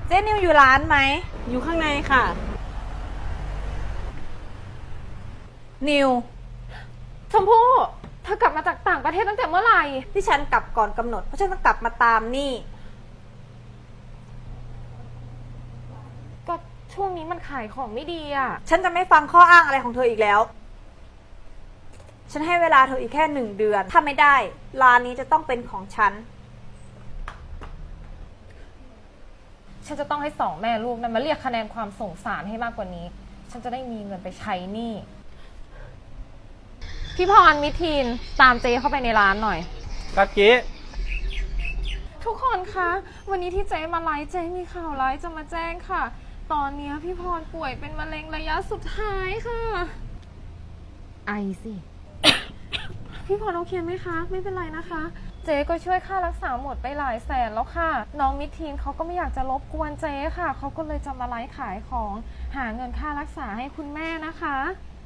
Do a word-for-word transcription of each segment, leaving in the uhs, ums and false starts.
เจ๊นิวอยู่ร้านไหมอยู่ข้างในค่ะนิวชมพู่เธอกลับมาจากต่างประเทศตั้งแต่เมื่อไหร่ที่ฉันกลับก่อนกำหนดเพราะฉันต้องกลับมาตามนี่ก็ช่วงนี้มันขายของไม่ดีอ่ะฉันจะไม่ฟังข้ออ้างอะไรของเธออีกแล้วฉันให้เวลาเธออีกแค่หนึ่งเดือนถ้าไม่ได้ร้านนี้จะต้องเป็นของฉันฉันจะต้องให้สองแม่ลูกนั้นมาเรียกคะแนนความสงสารให้มากกว่านี้ฉันจะได้มีเงินไปใช้หนี้พี่พรมิทีนตามเจ๊เข้าไปในร้านหน่อยครับเจ๊ทุกคนคะวันนี้ที่เจ๊มาไลฟ์เจ๊มีข่าวร้ายจะมาแจ้งค่ะตอนนี้พี่พรป่วยเป็นมะเร็งระยะสุดท้ายค่ะไอสิ พี่พรโอเคไหมคะไม่เป็นไรนะคะเจ๊ก็ช่วยค่ารักษาหมดไปหลายแสนแล้วค่ะน้องมิทีนเขาก็ไม่อยากจะรบกวนเจ๊ค่ะเขาก็เลยจะมาไลฟ์ขายของหาเงินค่ารักษาให้คุณแม่นะคะ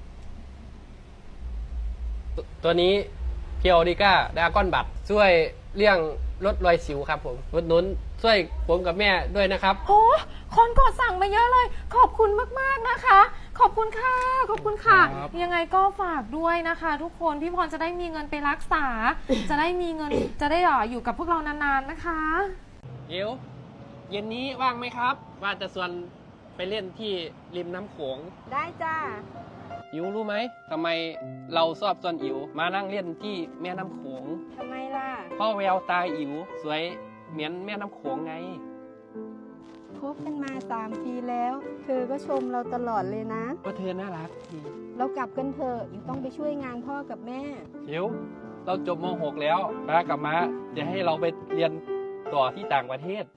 ตัวนี้เพียวดิก้าดากอนบัตช่วยเลี่ยงลดรอยสิวครับผมลดนุนช่วยผมกับแม่ด้วยนะครับโอ้คนกดสั่งมาเยอะเลยขอบคุณมากๆนะคะขอบคุณค่ะขอบคุณค่ะยังไงก็ฝากด้วยนะคะ ทุกคนพี่พรจะได้มีเงินไปรักษา จะได้มีเงินจะได้อยู่กับพวกเรานานๆนะคะเดี๋ยวเย็นนี้ว่างไหมครับว่าจะชวนไปเล่นที่ริมน้ำโขงได้จ้าอิ๋วรู้ไหมทำไมเราชอบชวนอิ๋วมานั่งเล่นที่แม่น้ำโขงทำไมล่ะเพราะแววตาอิ๋วสวยเหมือนแม่น้ำโขงไงคบกันมาสามปีแล้วเธอก็ชมเราตลอดเลยนะว่าเธอน่ารักดีเรากลับกันเถอะอยู่ต้องไปช่วยงานพ่อกับแม่อิ๋วเราจบม หก แล้วป้ากับม้าจะให้เราไปเรียนต่อที่ต่างประเทศ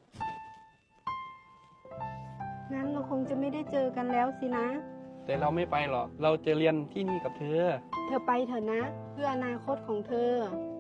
งั้นเราคงจะไม่ได้เจอกันแล้วสินะแต่เราไม่ไปหรอกเราจะเรียนที่นี่กับเธอเธอไปเถอะนะเพื่ออนาคตของเธอ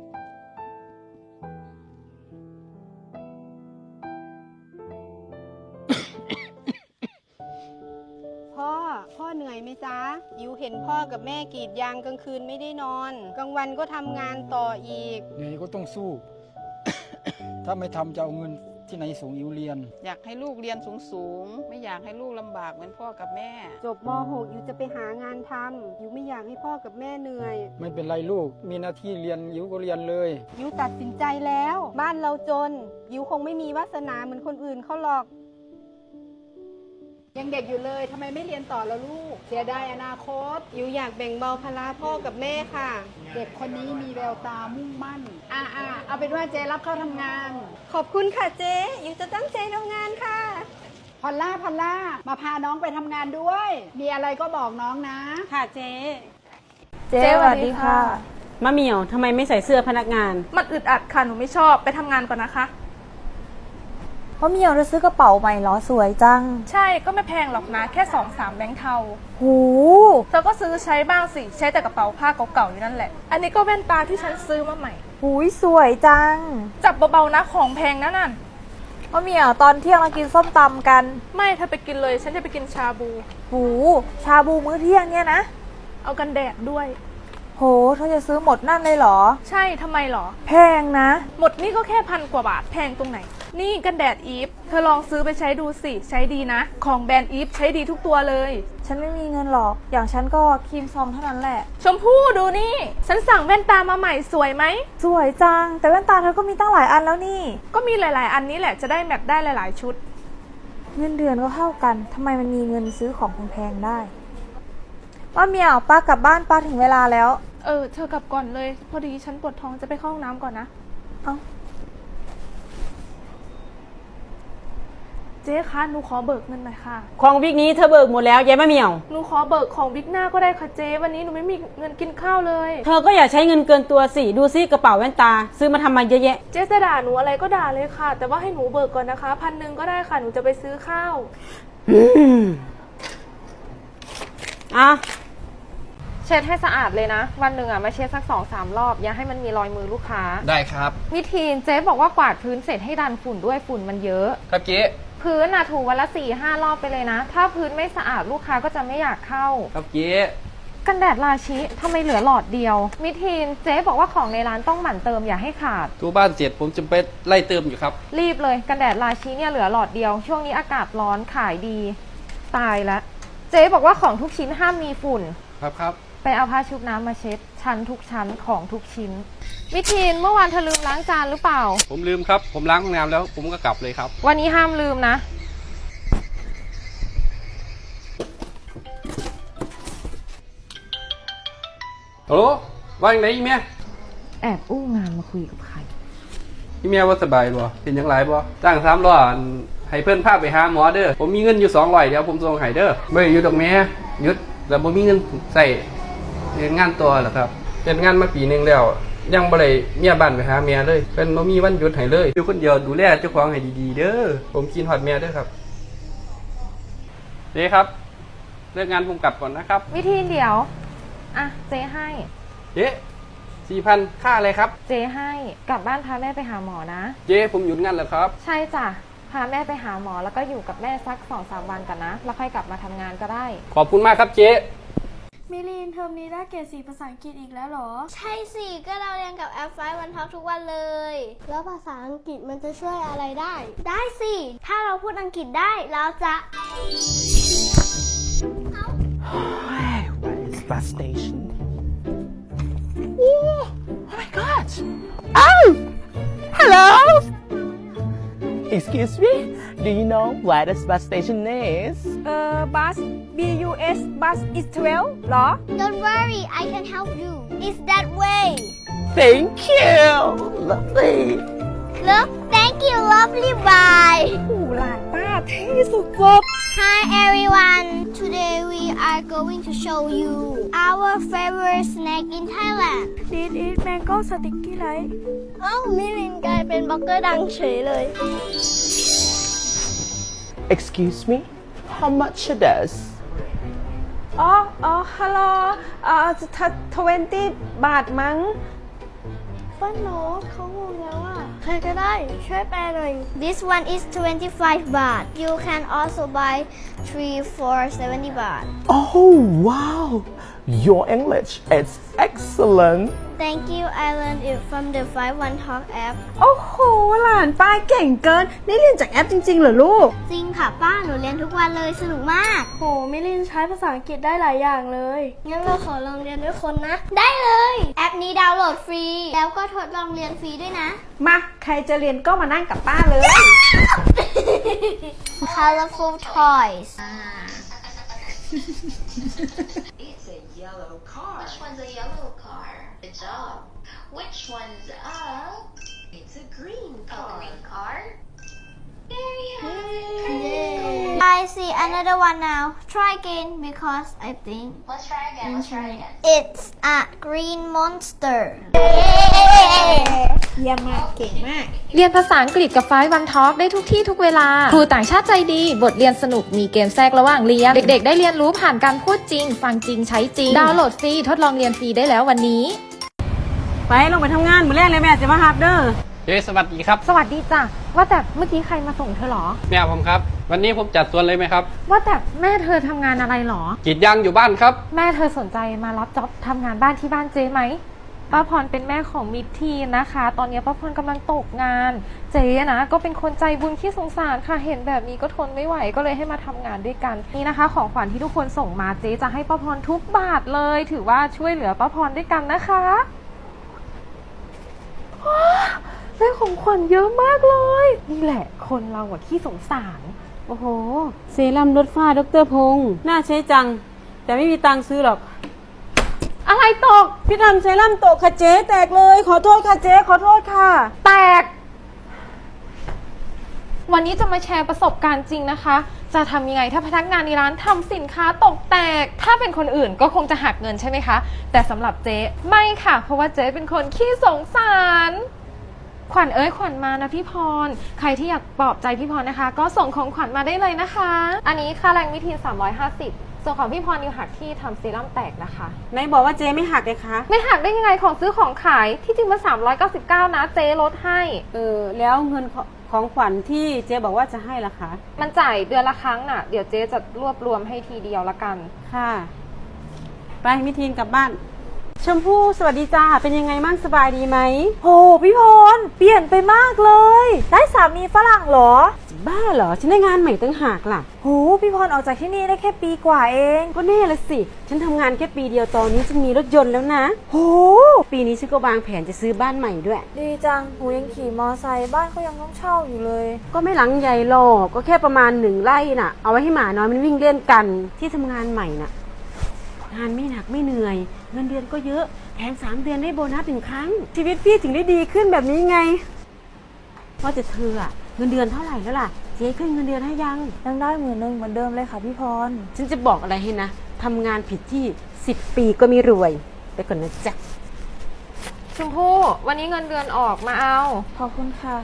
พ่อพ่อเหนื่อยไหมจ๊ะอิวเห็นพ่อกับแม่กรีดยางกลางคืนไม่ได้นอนกลางวันก็ทำงานต่ออีกเหนื่อยก็ต้องสู้ ถ้าไม่ทำจะเอาเงินที่ไหนส่งอิวเรียนอยากให้ลูกเรียนสูงๆไม่อยากให้ลูกลำบากเหมือนพ่อกับแม่จบม หก อิวจะไปหางานทำอิวไม่อยากให้พ่อกับแม่เหนื่อยไม่เป็นไรลูกมีหน้าที่เรียนอิวก็เรียนเลยอิวตัดสินใจแล้วบ้านเราจนอิวคงไม่มีวาสนาเหมือนคนอื่นเขาหรอกยังเด็กอยู่เลยทำไมไม่เรียนต่อแล้วลูกเสียดายอนาคตอิวอยากแบ่งเบาภาระพ่อกับแม่ค่ะเด็กคนนี้มีแววตามุ่งมั่นอ่าอ่าเอาเป็นว่าเจรับเข้าทำงานขอบคุณค่ะเจ๊อิวจะตั้งใจทำงานค่ะพอลล่าพอลล่ามาพาน้องไปทำงานด้วยมีอะไรก็บอกน้องนะค่ะเจ๊เจ๊สวัสดีค่ะมะเหมี่ยวทำไมไม่ใส่เสื้อพนักงานมันอึดอัดค่ะหนูไม่ชอบไปทำงานก่อนนะคะเพราะเมียวจะซื้อกระเป๋าใหม่เหรอสวยจังใช่ก็ไม่แพงหรอกนะแค่สองสามแบงค์เทาหูเธอก็ซื้อใช้บ้างสิใช้แต่กระเป๋าผ้าเก่าๆอยู่นั่นแหละอันนี้ก็แว่นตาที่ฉันซื้อมาใหม่หูยสวยจังจับเบาๆนะของแพงนะนั่นเพราะเมียวตอนเที่ยงเรากินส้มตำกันไม่เธอไปกินเลยฉันจะไปกินชาบูหูชาบูมื้อเที่ยงเนี่ยนะเอากันแดดด้วยโหเธอจะซื้อหมดนั่นเลยเหรอใช่ทำไมเหรอแพงนะหมดนี่ก็แค่พันกว่าบาทแพงตรงไหนนี่กันแดดอีฟเธอลองซื้อไปใช้ดูสิใช้ดีนะของแบรนด์อีฟใช้ดีทุกตัวเลยฉันไม่มีเงินหรอกอย่างฉันก็ครีมซองเท่านั้นแหละชมพู่ดูนี่ฉันสั่งแว่นตามาใหม่สวยไหมสวยจังแต่แว่นตาเธอก็มีตั้งหลายอันแล้วนี่ก็มีหลายๆอันนี้แหละจะได้แมทได้หลายๆชุดเงินเดือนก็เท่ากันทำไมมันมีเงินซื้อของแพงๆได้ว่าเมียวป้ากลับบ้านป้าถึงเวลาแล้วเออเธอกลับก่อนเลยพอดีฉันปวดท้องจะไปเข้าห้องน้ำก่อนนะเอ้าเจ๊คะหนูขอเบิกเงินหน่อยค่ะของวิกนี้เธอเบิกหมดแล้วยายมะเหมี่ยวหนูขอเบิกของวิกหน้าก็ได้ค่ะเจ๊วันนี้หนูไม่มีเงินกินข้าวเลยเธอก็อย่าใช้เงินเกินตัวสิดูซิกระเป๋าแว่นตาซื้อมาทำมาเยอะแยะเจ๊จะด่าหนูอะไรก็ด่าเลยค่ะแต่ว่าให้หนูเบิกก่อนนะคะพันหนึ่งก็ได้ค่ะหนูจะไปซื้อข้าวอ่ะเช็ดให้สะอาดเลยนะวันหนึ่งอ่ะมาเช็ดสักสองสามรอบอย่าให้มันมีรอยมือลูกค้าได้ครับวิธีเจ๊บอกว่ากวาดพื้นเสร็จให้ดันฝุ่นด้วยฝุ่นมันเยอะครับเจ๊พื้นอ่ะถูวันละสี่ห้ารอบไปเลยนะถ้าพื้นไม่สะอาดลูกค้าก็จะไม่อยากเข้าครับเจ๊กันแดดราชิทำไมเหลือหลอดเดียว มิทีนเจ๊บอกว่าของในร้านต้องหมั่นเติมอย่าให้ขาดทุกบ้านเสร็จผมจะไปไล่เติมอยู่ครับรีบเลยกันแดดราชิเนี่ยเหลือหลอดเดียว ช่วงนี้อากาศร้อนขายดี ตายแล้วเจ๊บอกว่าของทุกชิ้นห้ามมีฝุ่นครับครับไปเอาผ้าชุบน้ำมาเช็ดชั้นทุกชั้นของทุกชิ้น มิทีนเมื่อวานเธอลืมล้างจานหรือเปล่าผมลืมครับ ผมล้างห้องน้ำแล้วผมก็กลับเลยครับวันนี้ห้ามลืมนะโอ้ว่าอย่างไรอีเมียแอบอู้งานมาคุยกับใครอีเมียว่าสบายบ่เป็นยังไงบ่จ้างสามร้อยให้เพื่อนพาไปหาหมอเด้อผมมีเงินอยู่สองร้อยเดี๋ยวผมส่งให้เด้อไม่อยู่ดอกแม่หยุดแต่ผมมีเงินใส่เรียนงานตัวเหรอครับเป็นงานมาปีหนึงแล้วยังบ่ได้เมียบ้านไปหาเมียเลยเป็นบ่มีวันหยุดให้เลยอยู่คนเดียวดูแลเจ้าของให้ดีๆเด้อผมกินฮอดเมียเด้อครับเด้ครับเลิกงานผมกลับก่อนนะครับมิทีนเดี๋ยว อ่ะเจ๊ให้เจ๊สี่พันค่าอะไรครับเจ๊ให้กลับบ้านพาแม่ไปหาหมอนะเจ๊ผมหยุดงานแล้วครับใช่จ้ะพาแม่ไปหาหมอแล้วก็อยู่กับแม่สักสองสามวันกันนะแล้วค่อยกลับมาทำงานก็ได้ขอบคุณมากครับเจ๊มิลินเทอมนี้ได้เกรดสี่ภาษาอังกฤษอีกแล้วเหรอใช่สิ ก็เราเรียนกับแอปไฟวันพักทุกวันเลย แล้วภาษาอังกฤษมันจะช่วยอะไรได้ ได้สิ ถ้าเราพูดอังกฤษได้เราจะ Where is bus station? Oh, oh my god! Oh! Hello! Excuse me? Do you know where this bus station is? เอ่อ bus B U S bus is twelve หรอ Don't worry I can help you It's that way Thank you! Lovely! Look thank you lovely bye หูหลานป้าเท่สุด Hi everyone Today we are going to show you our favorite snack in Thailand This is mango sticky rice เอ้ามิลินกลายเป็นบล็อกเกอร์ดังเฉยเลย Excuse me? How much it is? อ๋ออ๋อฮัลโหลเอ่อทเวนตี้บาทมั้งป้าโน้ตเขางงแล้วอ่ะ ใครก็ได้ช่วยแปลหน่อย This one is twenty-five baht You can also buy three for seventy baht Oh wow! Your English is excellent! Thank you I learned it from the five one talk app โอ้โห หลานป้าเก่งเกิน นี่เรียนจากแอปจริงๆเหรอลูกจริงค่ะป้าหนูเรียนทุกวันเลยสนุกมากโหมิลินใช้ภาษาอังกฤษได้หลายอย่างเลยงั้นเราขอลองเรียนด้วยคนนะ ได้เลย แอปนี้ดาวน์โหลดฟรี แล้วก็ทดลองเรียนฟรีด้วยนะมา ใครจะเรียนก็มานั่งกับป้าเลย Colorful toys It's a yellow car. Which one's a yellow car? Good job. Which one's a? It's a green car. A green car? There you have it. I see another one now Try again because I think Let's try again. Let's try again. it's a green monster เยี่ยมมาก เก่งมากเรียนภาษาอังกฤษกับไฟว์วันทอล์กได้ทุกที่ทุกเวลา ครูต่างชาติใจดี บทเรียนสนุกมีเกมแทรกระหว่างเรียน เด็กๆ ได้เรียนรู้ผ่านการพูดจริง ฟังจริงใช้จริง ดาวน์โหลดฟรีทดลองเรียนฟรีได้แล้ววันนี้ไปลงไปทำงานมื้อแรกเลยแม่จะมาฮับเด้อเจ๊สวัสดีครับสวัสดีจ้ะว่าแต่เมื่อกี้ใครมาส่งเธอหรอแม่ผมครับ วันนี้ผมจัดสวนเลยไหมครับว่าแต่แม่เธอทำงานอะไรหรอกรีดยางอยู่บ้านครับแม่เธอสนใจมารับจ็อบทำงานบ้านที่บ้านเจ๊ไหมป้าพรเป็นแม่ของมิตรทีนนะคะ ตอนนี้ป้าพรกำลังตกงาน เจ๊นะก็เป็นคนใจบุญที่สงสารค่ะเห็นแบบนี้ก็ทนไม่ไหวก็เลยให้มาทำงานด้วยกันนี่นะคะ ของขวัญที่ทุกคนส่งมาเจ๊จะให้ป้าพรทุกบาทเลย ถือว่าช่วยเหลือป้าพรด้วยกันนะคะได้ของขวัญเยอะมากเลยนี่แหละคนเราอะที่สงสารโอ้โห เซรั่มลดฝ้าดรพงษ์น่าใช้จัง แต่ไม่มีตังค์ซื้อหรอกอะไรตกพี่ทำเซรั่มตกค่ะเจ๊แตกเลย ขอโทษค่ะเจ๊ขอโทษค่ะแตก วันนี้จะมาแชร์ประสบการณ์จริงนะคะ จะทำยังไงถ้าพนักงานในร้านทำสินค้าตกแตก ถ้าเป็นคนอื่นก็คงจะหักเงินใช่ไหมคะ แต่สำหรับเจ๊ไม่ค่ะ เพราะว่าเจ๊เป็นคนขี้สงสาร ขวัญเอ้ยขวัญมานะพี่พร ใครที่อยากปลอบใจพี่พรนะคะ ก็ส่งของขวัญมาได้เลยนะคะ อันนี้ค่าแรงมิทีนสามร้อยห้าสิบส่วนของพี่พรนิวหักที่ทำเซรั่มแตกนะคะไหนบอกว่าเจ๊ไม่หักเลยคะไม่หักได้ยังไงของซื้อของขายที่จริงมาสามร้อยเก้าสิบเก้านะเจ๊ลดให้เออแล้วเงินของของขวัญที่เจ๊บอกว่าจะให้ล่ะคะมันจ่ายเดือนละครั้งน่ะ เดี๋ยวเจ๊จะรวบรวมให้ทีเดียวละกันค่ะไปมิทีนกลับบ้าน ชมพู่สวัสดีจ้าเป็นยังไงมั่งสบายดีไหมโหพี่พรเปลี่ยนไปมากเลย ได้สามีฝรั่งเหรอบ้าเหรอฉันได้งานใหม่ตั้งหากล่ะโหพี่พรออกจากที่นี่ได้แค่ปีกว่าเองก็แน่ละสิ ฉันทำงานแค่ปีเดียวตอนนี้ฉันมีรถยนต์แล้วนะโหปีนี้ฉันก็วางแผนจะซื้อบ้านใหม่ด้วยดีจังหนูยังขี่มอไซค์บ้านเขายังต้องเช่าอยู่เลยก็ไม่หลังใหญ่หรอกก็แค่ประมาณหนึ่งไร่น่ะ เอาไว้ให้หมาน้อยมันวิ่งเล่นกันที่ทำงานใหม่น่ะ งานไม่หนักไม่เหนื่อย เงินเดือนก็เยอะแถมสามเดือนได้โบนัสหนึ่งครั้ง ชีวิตพี่ถึงได้ดีขึ้นแบบนี้ไงว่าจะเธออะเงินเดือนเท่าไหร่แล้วล่ะเจ๊ขึ้นเงินเดือนให้ยังยังได้หมื่นหนึ่งเหมือนเดิมเลยค่ะพี่พรฉันจะบอกอะไรให้นะทำงานผิดที่สิบปีก็ไม่รวยไปก่อนนะจ๊ะชมพู่วันนี้เงินเดือนออกมาเอาขอบคุณค่ะ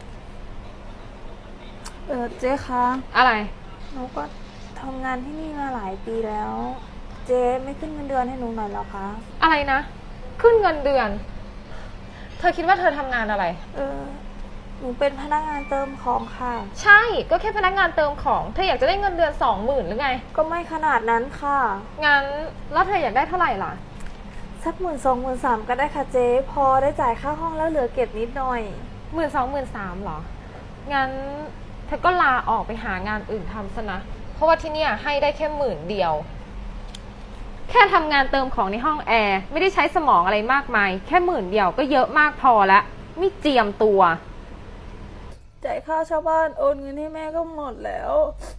เออเจ๊คะอะไรหนูก็ทำงานที่นี่มาหลายปีแล้ว เจ๊ไม่ขึ้นเงินเดือนให้หนูหน่อยเหรอคะอะไรนะ ขึ้นเงินเดือน เธอคิดว่าเธอทำงานอะไรเออหนูเป็นพนักงานเติมของค่ะใช่ ก็แค่พนักงานเติมของ เธออยากจะได้เงินเดือนสองหมื่นหรือไงก็ไม่ขนาดนั้นค่ะงั้นแล้วเธออยากได้เท่าไหร่ล่ะสักหมื่นสองหมื่นสามก็ได้ค่ะเจ๊พอได้จ่ายค่าห้องแล้วเหลือเก็บนิดหน่อยหมื่นสองหมื่นสามหรอ งั้นเธอก็ลาออกไปหางานอื่นทำซะนะ เพราะว่าที่เนี่ยให้ได้แค่หมื่นเดียว แค่ทำงานเติมของในห้องแอร์ไม่ได้ใช้สมองอะไรมากมาย แค่หมื่นเดียวก็เยอะมากพอละไม่เจียมตัวจ่ายค่าชาวบ้านโอนเงินให้แม่ก็หมดแล้ว